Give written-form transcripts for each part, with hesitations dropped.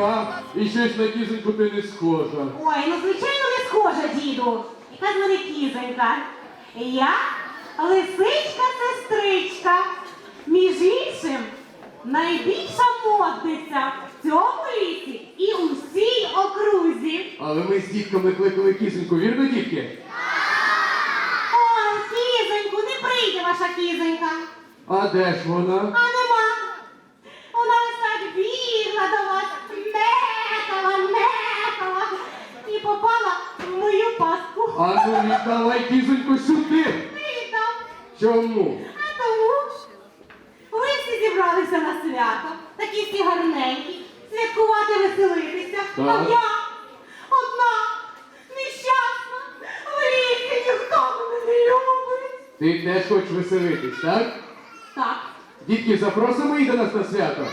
яка? І щось на кізоньку ти не схожа. Ой, ну звичайно не схожа, діду. Яка з мене кізонька. Я лисичка-сестричка. Між іншим, найбільша модниця в цьому лісі і у всій окрузі. Але ми з дітками кликали кізоньку, вірно, дітки? Ой, кізоньку, не прийде ваша кізонька. А де ж вона? А нема. Вона ось так бігла до вас, мекала і попала в мою пастку. А ну віддавай кізоньку сюди! Не віддам. Чому? А тому ви всі зібралися на свято, такі всі гарненькі, святкувати, веселитися. А Так. я одна, нещасна, в лісі ніхто мене не любить. Ти теж хочеш веселитись, так? Так. Дітки, запросимо її до нас на свято.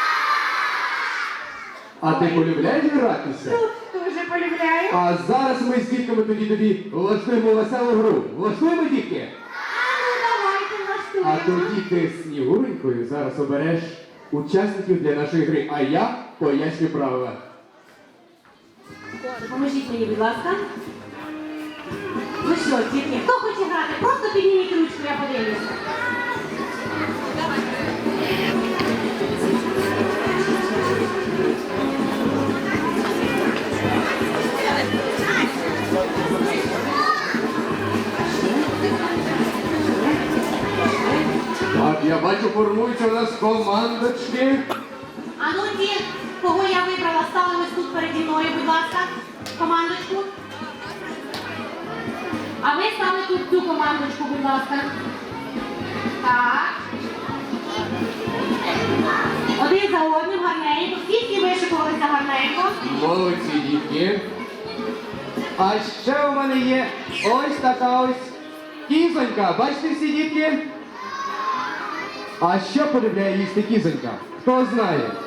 А ти полюбляєш гратися? Тут дуже полюбляю. А зараз ми з дітками тоді влаштуємо веселу гру. Влаштуємо, дітки? Ну, давайте А влаштуємо. тоді ти з Снігуренькою зараз обереш учасників для нашої гри, а я поясню правила. Поможіть мені, будь ласка. Ну що, дітки, хто хоче грати? Просто підніміть ручку, я подивлюся. Так, я бачу, формуються у нас командочки. А ну ті, кого я вибрала, стали ось тут переді мною, будь ласка, командочку. А ви стали тут цю командочку, будь ласка. Так. Один за одним гарненько. Всі вишикувалися гарненько. Молодці, дітки. А ще у мене є ось така ось кізонька. Бачите всі, дітки? А що полюбляє їсти кізонька? Хто знає?